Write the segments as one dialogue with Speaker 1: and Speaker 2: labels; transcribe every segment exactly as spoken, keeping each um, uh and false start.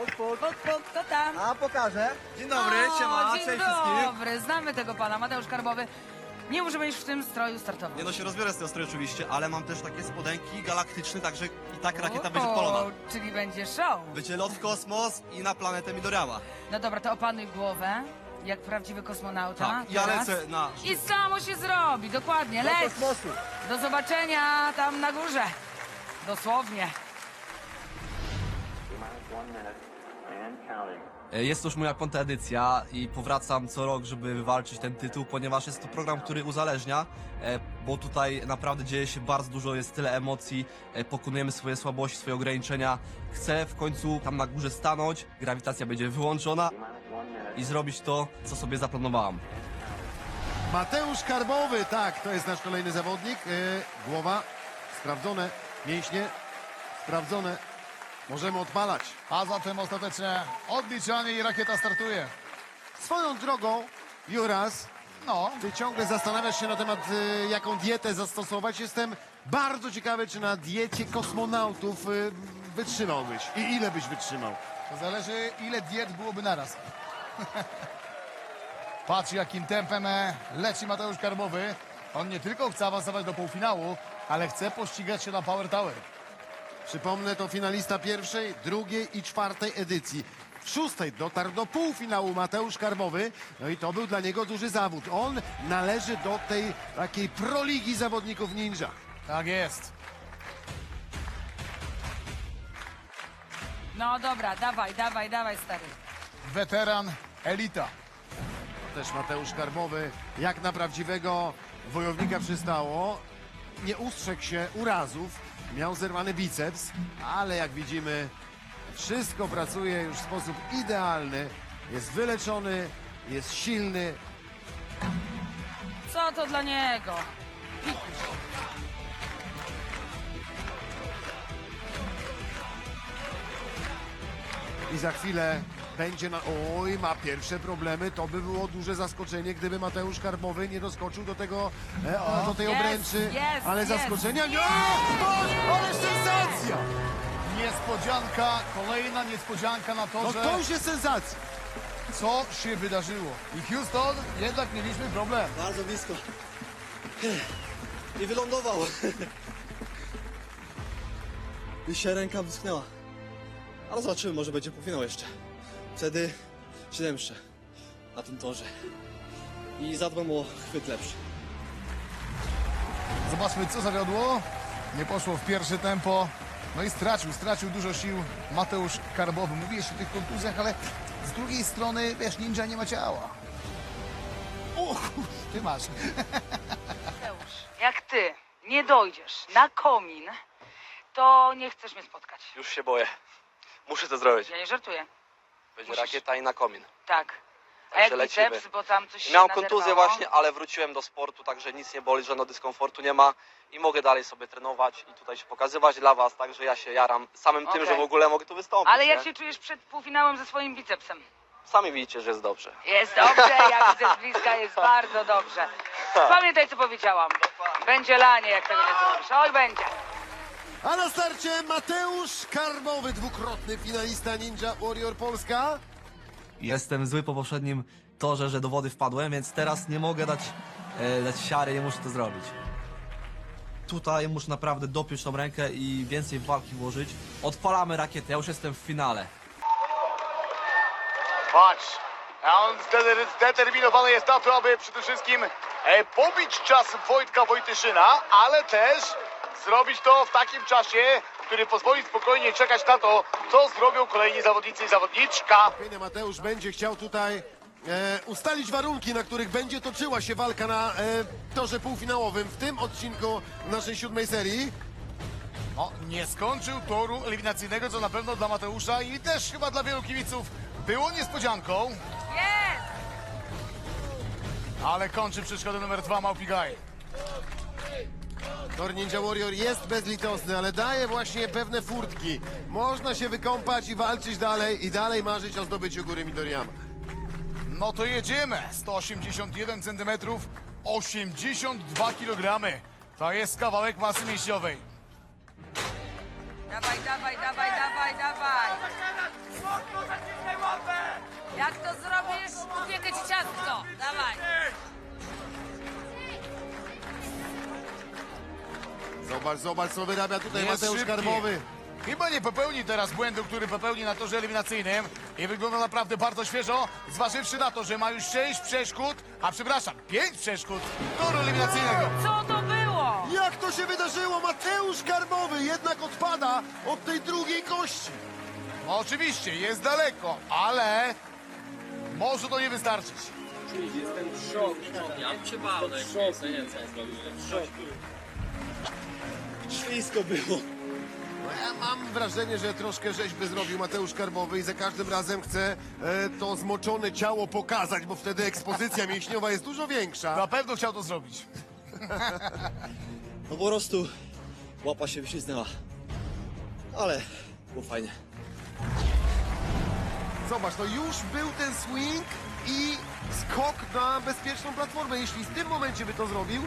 Speaker 1: Puk, puk.
Speaker 2: Puk, puk, kto tam?
Speaker 1: A, pokażę. Dzień dobry,
Speaker 2: O,
Speaker 1: siema,
Speaker 2: dzień
Speaker 1: cześć wszystkim.
Speaker 2: dobry, znamy tego pana, Mateusz Karbowy. Nie możemy już w tym stroju startować.
Speaker 3: Nie no, się rozbiorę z tego stroju oczywiście, ale mam też takie spodenki galaktyczne, także i tak rakieta będzie
Speaker 2: O,
Speaker 3: odpalona.
Speaker 2: czyli będzie show.
Speaker 3: Będzie lot w kosmos i na planetę Midoriyama.
Speaker 2: No dobra, to opanuj głowę, jak prawdziwy kosmonauta.
Speaker 3: Tak, ja
Speaker 2: teraz.
Speaker 3: lecę na...
Speaker 2: I samo się zrobi, dokładnie,
Speaker 1: Do
Speaker 2: leć.
Speaker 1: kosmosu.
Speaker 2: Do zobaczenia tam na górze. Dosłownie.
Speaker 3: Jest to już moja piąta edycja i powracam co rok, żeby wywalczyć ten tytuł, ponieważ jest to program, który uzależnia, e, bo tutaj naprawdę dzieje się bardzo dużo, jest tyle emocji, e, pokonujemy swoje słabości, swoje ograniczenia. Chcę w końcu tam na górze stanąć, grawitacja będzie wyłączona i zrobić to, co sobie zaplanowałam.
Speaker 4: Mateusz Karbowy, tak, to jest nasz kolejny zawodnik. Yy, głowa, sprawdzone, mięśnie, sprawdzone. Możemy odpalać.
Speaker 5: A zatem ostateczne odliczanie i rakieta startuje.
Speaker 4: Swoją drogą, Juras,
Speaker 5: No,
Speaker 4: ty ciągle zastanawiasz się na temat, y, jaką dietę zastosować. Jestem bardzo ciekawy, czy na diecie kosmonautów y, wytrzymałbyś i ile byś wytrzymał.
Speaker 5: to zależy ile diet byłoby naraz. Patrz jakim tempem e, leci Mateusz Karbowy. On nie tylko chce awansować do półfinału, ale chce pościgać się na Power Tower.
Speaker 4: Przypomnę, to finalista pierwszej, drugiej i czwartej edycji. W szóstej dotarł do półfinału Mateusz Karbowy, no i to był dla niego duży zawód. On należy do tej takiej proligi zawodników ninja.
Speaker 5: Tak jest.
Speaker 2: No dobra, dawaj, dawaj, dawaj, stary.
Speaker 5: Weteran, elita.
Speaker 4: Też Mateusz Karbowy, jak na prawdziwego wojownika przystało, nie ustrzegł się urazów, miał zerwany biceps, ale jak widzimy, wszystko pracuje już w sposób idealny, jest wyleczony, jest silny.
Speaker 2: Co to dla niego?
Speaker 4: I za chwilę będzie na... Oj, ma pierwsze problemy. To by było duże zaskoczenie, gdyby Mateusz Karbowy nie doskoczył do tego, e, o, do tej
Speaker 2: Jest,
Speaker 4: obręczy.
Speaker 2: jest,
Speaker 4: Ale
Speaker 2: jest.
Speaker 4: zaskoczenia nie... O, ale sensacja!
Speaker 5: Niespodzianka, kolejna niespodzianka na to,
Speaker 4: No
Speaker 5: że
Speaker 4: to już jest sensacja.
Speaker 5: co się wydarzyło. I Houston, jednak mieliśmy problem.
Speaker 3: Bardzo blisko. I wylądował. I się ręka wyschnęła. Ale zobaczymy, może będzie półfinał jeszcze. Wtedy się zemszczę na tym torze. I zadbam o chwyt lepszy.
Speaker 5: Zobaczmy, co zawiodło. Nie poszło w pierwsze tempo. No i stracił, stracił dużo sił Mateusz Karbowy. Mówiłeś o tych kontuzjach, ale z drugiej strony, wiesz, ninja nie ma ciała. O, kur- ty masz.
Speaker 2: Mateusz, jak ty nie dojdziesz na komin, to nie chcesz mnie spotkać.
Speaker 6: Już się boję. Muszę to zrobić.
Speaker 2: Ja nie żartuję.
Speaker 6: Będzie
Speaker 2: musisz.
Speaker 6: rakieta i na komin.
Speaker 2: Tak. A
Speaker 6: Także
Speaker 2: jak
Speaker 6: lecimy.
Speaker 2: biceps, bo tam coś się
Speaker 6: Miałem
Speaker 2: naderwało?
Speaker 6: kontuzję właśnie, ale wróciłem do sportu, także nic nie boli, żadnego dyskomfortu nie ma i mogę dalej sobie trenować i tutaj się pokazywać dla was, także ja się jaram samym tym,
Speaker 2: Okej.
Speaker 6: że w ogóle mogę tu wystąpić.
Speaker 2: Ale jak
Speaker 6: nie?
Speaker 2: się czujesz przed półfinałem ze swoim bicepsem?
Speaker 6: Sami widzicie, że jest dobrze.
Speaker 2: Jest dobrze, ja widzę z bliska, jest bardzo dobrze. Pamiętaj, co powiedziałam. Będzie lanie, jak tego nie zrobisz. Oj, będzie.
Speaker 4: A na starcie Mateusz Karbowy, dwukrotny finalista Ninja Warrior Polska.
Speaker 3: Jestem zły po poprzednim torze, że do wody wpadłem, więc teraz nie mogę dać, e, dać siary, nie muszę to zrobić. Tutaj muszę naprawdę dopiąć tą rękę i więcej walki włożyć. Odpalamy rakietę, ja już jestem w finale.
Speaker 5: Patrz, a on zdeter- zdeterminowany jest na to, aby przede wszystkim e, pobić czas Wojtka Wojtyszyna, ale też zrobić to w takim czasie, który pozwoli spokojnie czekać na to, co zrobią kolejni zawodnicy i zawodniczka.
Speaker 4: Mateusz będzie chciał tutaj e, ustalić warunki, na których będzie toczyła się walka na e, torze półfinałowym w tym odcinku naszej siódmej serii.
Speaker 5: No, nie skończył toru eliminacyjnego, co na pewno dla Mateusza i też chyba dla wielu kibiców było niespodzianką,
Speaker 2: Jest!
Speaker 5: ale kończy przeszkodę numer dwa Małpi Guy.
Speaker 4: Tor Ninja Warrior jest bezlitosny, ale daje właśnie pewne furtki. Można się wykąpać i walczyć dalej i dalej marzyć o zdobyciu góry Midoriyama.
Speaker 5: No to jedziemy. sto osiemdziesiąt jeden centymetrów, osiemdziesiąt dwa kilogramy. To jest kawałek masy mięśniowej.
Speaker 2: Dawaj, dawaj, dawaj, dawaj, dawaj. Dawaj.
Speaker 4: Zobacz, zobacz, co wyrabia tutaj
Speaker 5: Jest
Speaker 4: Mateusz
Speaker 5: szybki.
Speaker 4: Karbowy.
Speaker 5: Chyba nie popełni teraz błędu, który popełni na torze eliminacyjnym i wygląda naprawdę bardzo świeżo, zważywszy na to, że ma już sześć przeszkód, a przepraszam, pięć przeszkód toru eliminacyjnego.
Speaker 2: Co to było?
Speaker 4: Jak to się wydarzyło? Mateusz Karbowy jednak odpada od tej drugiej kości.
Speaker 5: No oczywiście, jest daleko, ale może to nie wystarczyć.
Speaker 4: No ja mam wrażenie, że troszkę rzeźby zrobił Mateusz Karbowy i za każdym razem chce e, to zmoczone ciało pokazać, bo wtedy ekspozycja mięśniowa jest dużo większa.
Speaker 5: Na pewno chciał to zrobić.
Speaker 1: No po prostu łapa się wyśliznęła. Ale było fajnie.
Speaker 4: Zobacz, to już był ten swing i skok na bezpieczną platformę. Jeśli w tym momencie by to zrobił,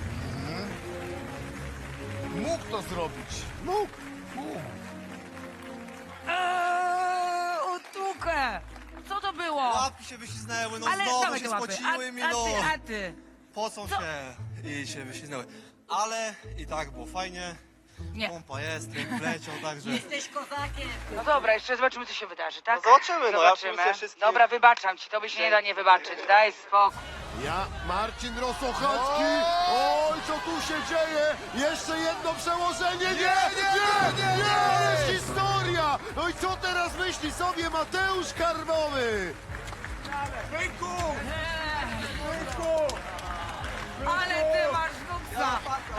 Speaker 5: Mógł to zrobić.
Speaker 4: mógł.
Speaker 2: Eee, utukę. Co to było?
Speaker 3: Łapki się wyśliznęły, no
Speaker 2: Ale
Speaker 3: znowu
Speaker 2: dawaj
Speaker 3: się
Speaker 2: te łapy.
Speaker 3: spociły
Speaker 2: A,
Speaker 3: mi,
Speaker 2: a
Speaker 3: no.
Speaker 2: ty, a ty.
Speaker 3: Pocą
Speaker 2: Co?
Speaker 3: się i się wyśliznęły. Ale i tak było fajnie.
Speaker 2: Nie.
Speaker 3: Pompa jest, tryb leciał, także...
Speaker 2: No dobra, jeszcze zobaczymy, co się wydarzy, tak?
Speaker 6: No zobaczymy, no ja
Speaker 2: Zobaczymy.
Speaker 6: plus wszystkich-
Speaker 2: Dobra, wybaczam ci, to by się nie da nie wybaczyć. Daj spokój.
Speaker 4: Ja, Marcin Rosochacki. Oj, co tu się dzieje? Jeszcze jedno przełożenie. Nie, nie, nie, nie, nie, jest historia. No i co teraz myśli sobie Mateusz Karbowy?
Speaker 2: Ale ty masz nuksa.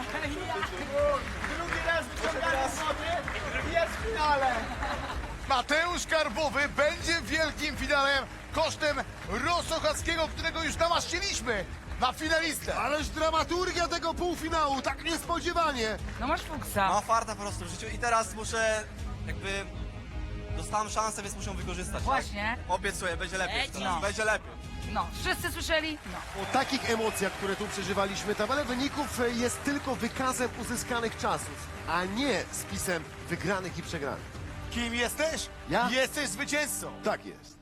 Speaker 5: Mateusz Karbowy będzie w wielkim finale kosztem Rosochackiego, którego już namaszczyliśmy na finalistę.
Speaker 4: Ależ dramaturgia tego półfinału, tak niespodziewanie.
Speaker 2: No masz fuksa.
Speaker 3: Mam farta po prostu w życiu i teraz muszę jakby... Dostałem szansę, więc muszę ją wykorzystać.
Speaker 2: Właśnie.
Speaker 3: Tak? Obiecuję, będzie lepiej
Speaker 2: Leci.
Speaker 3: teraz,
Speaker 2: No.
Speaker 3: będzie lepiej.
Speaker 2: No, wszyscy słyszeli? No.
Speaker 4: O takich emocjach, które tu przeżywaliśmy, tabela wyników jest tylko wykazem uzyskanych czasów, a nie spisem wygranych i przegranych.
Speaker 5: Kim jesteś?
Speaker 4: Ja?
Speaker 5: Jesteś zwycięzcą.
Speaker 4: Tak jest.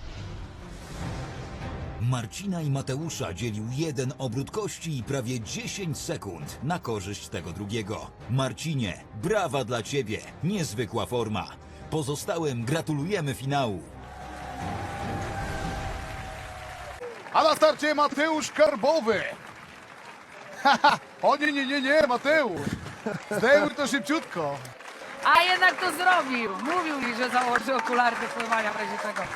Speaker 7: Marcina i Mateusza dzielił jeden obrót kości i prawie dziesięć sekund na korzyść tego drugiego. Marcinie, brawa dla ciebie, niezwykła forma. Pozostałym gratulujemy finału.
Speaker 5: A na starcie Mateusz Karbowy. Haha, o nie, nie, nie, nie, Mateusz. Zdejmuj to szybciutko.
Speaker 2: A jednak to zrobił. Mówił mi, że założy okulary do pływania w razie czego.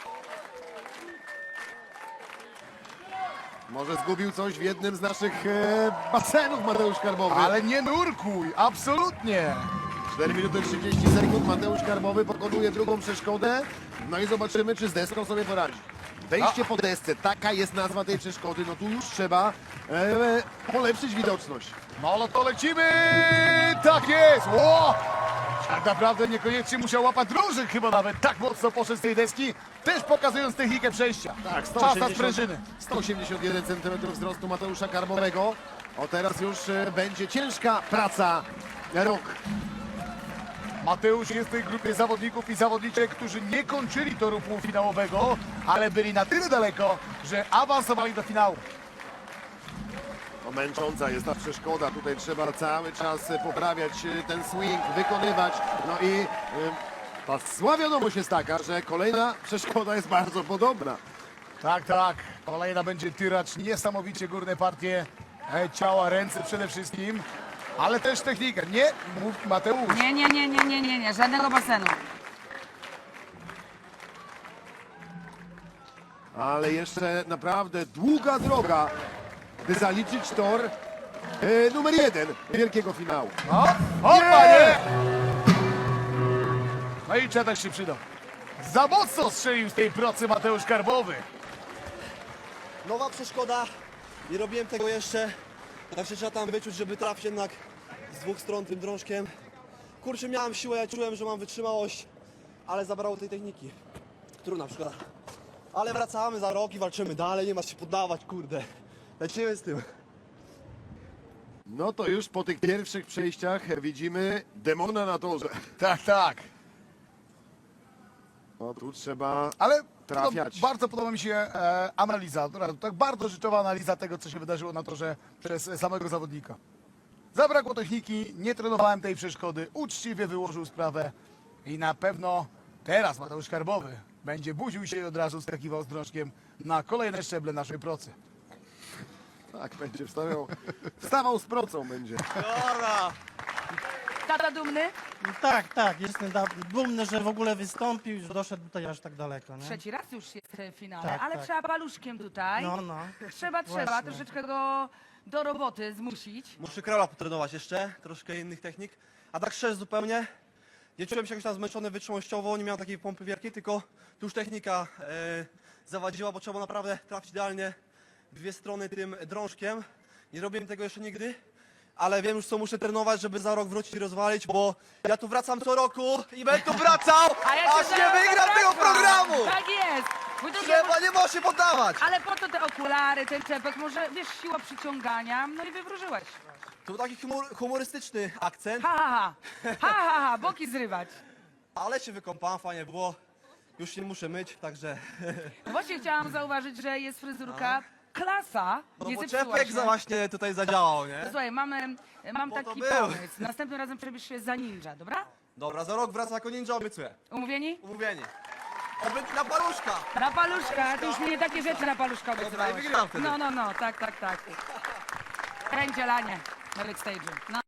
Speaker 4: Może zgubił coś w jednym z naszych e, basenów Mateusz Karbowy.
Speaker 5: Ale nie nurkuj, absolutnie.
Speaker 4: cztery minuty trzydzieści sekund, Mateusz Karbowy pokonuje drugą przeszkodę. No i zobaczymy, czy z deską sobie poradzi. Wejście po desce, taka jest nazwa tej przeszkody, no tu już trzeba e, polepszyć widoczność.
Speaker 5: No, no to lecimy. Tak jest. Ło! Tak naprawdę niekoniecznie musiał łapać drążek, chyba nawet tak mocno poszedł z tej deski, też pokazując technikę przejścia.
Speaker 4: Tak,
Speaker 5: Czas na sprężyny.
Speaker 4: sto osiemdziesiąt jeden centymetrów wzrostu Mateusza Karbowego. O teraz już e, będzie ciężka praca rąk.
Speaker 5: Mateusz jest w tej grupie zawodników i zawodniczek, którzy nie kończyli toru półfinałowego, ale byli na tyle daleko, że awansowali do finału.
Speaker 4: No, męcząca jest ta przeszkoda, tutaj trzeba cały czas e, poprawiać e, ten swing, wykonywać. No i e, ta zła wiadomość jest taka, że kolejna przeszkoda jest bardzo podobna.
Speaker 5: Tak, tak. Kolejna będzie tyracz, niesamowicie górne partie e, ciała, ręce przede wszystkim, ale też technikę. Nie, mów Mateusz.
Speaker 2: Nie, nie, nie, nie, nie, nie, nie. Żadnego basenu.
Speaker 4: Ale jeszcze naprawdę długa droga, by zaliczyć tor e, numer jeden wielkiego finału.
Speaker 5: O, opa, nie! No i czetak się przydał. Za mocno strzelił z tej procy Mateusz Karbowy.
Speaker 1: Nowa przeszkoda. Nie robiłem tego jeszcze. Tak się trzeba tam wyczuć, żeby trafić jednak z dwóch stron tym drążkiem. Kurczę, miałem siłę, ja czułem, że mam wytrzymałość, ale zabrało tej techniki. Trudna przeszkoda. Ale wracamy za rok i walczymy dalej, nie ma się poddawać, kurde. Lecimy z tym.
Speaker 4: No to już po tych pierwszych przejściach widzimy demona na torze.
Speaker 5: Tak, tak.
Speaker 4: No tu trzeba
Speaker 8: Ale
Speaker 4: trafiać.
Speaker 8: No, bardzo podoba mi się e, analiza, która- tak bardzo życzowa analiza tego, co się wydarzyło na torze przez samego zawodnika. Zabrakło techniki, nie trenowałem tej przeszkody, uczciwie wyłożył sprawę i na pewno teraz Mateusz Karbowy będzie budził się i od razu skakiwał z drążkiem na kolejne szczeble naszej procy.
Speaker 4: Tak, będzie wstawiał, wstawał z procą będzie.
Speaker 1: Dobra.
Speaker 2: Tata dumny?
Speaker 9: Tak, tak, jestem da- dumny, że w ogóle wystąpił, że doszedł tutaj aż tak daleko, nie?
Speaker 2: Trzeci raz już jest w finale,
Speaker 9: Tak,
Speaker 2: ale
Speaker 9: tak.
Speaker 2: trzeba paluszkiem tutaj.
Speaker 9: No, no.
Speaker 2: Trzeba, trzeba
Speaker 9: Właśnie.
Speaker 2: troszeczkę go do roboty zmusić.
Speaker 1: Muszę kraula potrenować jeszcze, troszkę innych technik. A tak szczerze zupełnie, nie czułem się jakoś tam zmęczony wytrzymałościowo, nie miałem takiej pompy wielkiej, tylko tu już technika e, zawadziła, bo trzeba było naprawdę trafić idealnie w dwie strony tym drążkiem. Nie robiłem tego jeszcze nigdy, ale wiem już co muszę trenować, żeby za rok wrócić i rozwalić, bo ja tu wracam co roku i będę tu wracał,
Speaker 2: A ja
Speaker 1: aż
Speaker 2: cię
Speaker 1: nie
Speaker 2: zaraz
Speaker 1: wygram tego
Speaker 2: zapraszam.
Speaker 1: programu!
Speaker 2: Tak jest! Bo to
Speaker 1: Trzeba, nie może się poddawać!
Speaker 2: Ale po to te okulary, ten czepek, może wiesz, siła przyciągania, no i wywróżyłeś.
Speaker 1: To był taki humor, humorystyczny akcent,
Speaker 2: Ha, ha, ha, ha, ha, ha, boki zrywać.
Speaker 1: ale się wykąpałem, fajnie było. Już się nie muszę myć, także...
Speaker 2: Właśnie chciałam zauważyć, że jest fryzurka klasa,
Speaker 1: No
Speaker 2: nie
Speaker 1: bo
Speaker 2: zepsuła
Speaker 1: czepek
Speaker 2: się.
Speaker 1: za właśnie tutaj zadziałał, nie?
Speaker 2: Słuchaj, mamy, mam
Speaker 1: Po to
Speaker 2: taki
Speaker 1: był.
Speaker 2: pomysł. Następnym razem przebierz się za ninja, dobra?
Speaker 1: Dobra, za rok wraca jako ninja, obiecuję.
Speaker 2: Umówieni?
Speaker 1: Umówieni. Oby na paluszka!
Speaker 2: Na paluszka, ty już mnie takie rzeczy na paluszka obiecywałeś.
Speaker 1: i wygram wtedy.
Speaker 2: No, no, no, tak, tak, tak. Kręcie lanie na backstage'u. No.